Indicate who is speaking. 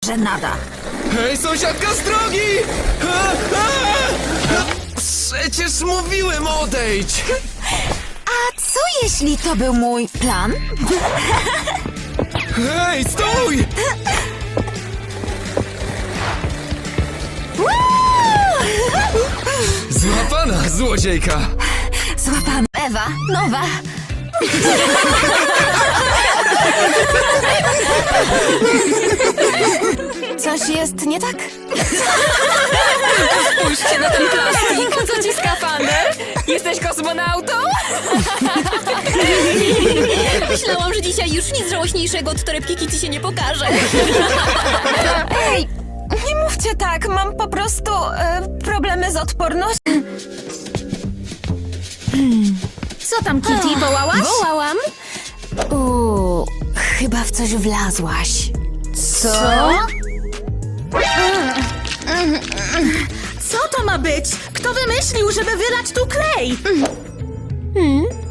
Speaker 1: że nada.
Speaker 2: Hej, sąsiadka z drogi! Przecież mówiłem odejdź!
Speaker 1: A co jeśli to był mój plan?
Speaker 2: Hej, stój! Złapana, złodziejka!
Speaker 1: Złapana. Ewa, nowa. Coś jest nie tak?
Speaker 3: Spójrzcie na ten plastik. Po co ci skafander? Jesteś kosmonautą? Myślałam, że dzisiaj już nic żałośniejszego od torebki Kitty się nie pokaże.
Speaker 1: Ej, nie mówcie tak, mam po prostu problemy z odpornością.
Speaker 3: Co tam, Kitty? Wołałaś?
Speaker 1: Wołałam. Chyba w coś wlazłaś.
Speaker 3: Co? Co to ma być? Kto wymyślił, żeby wylać tu klej?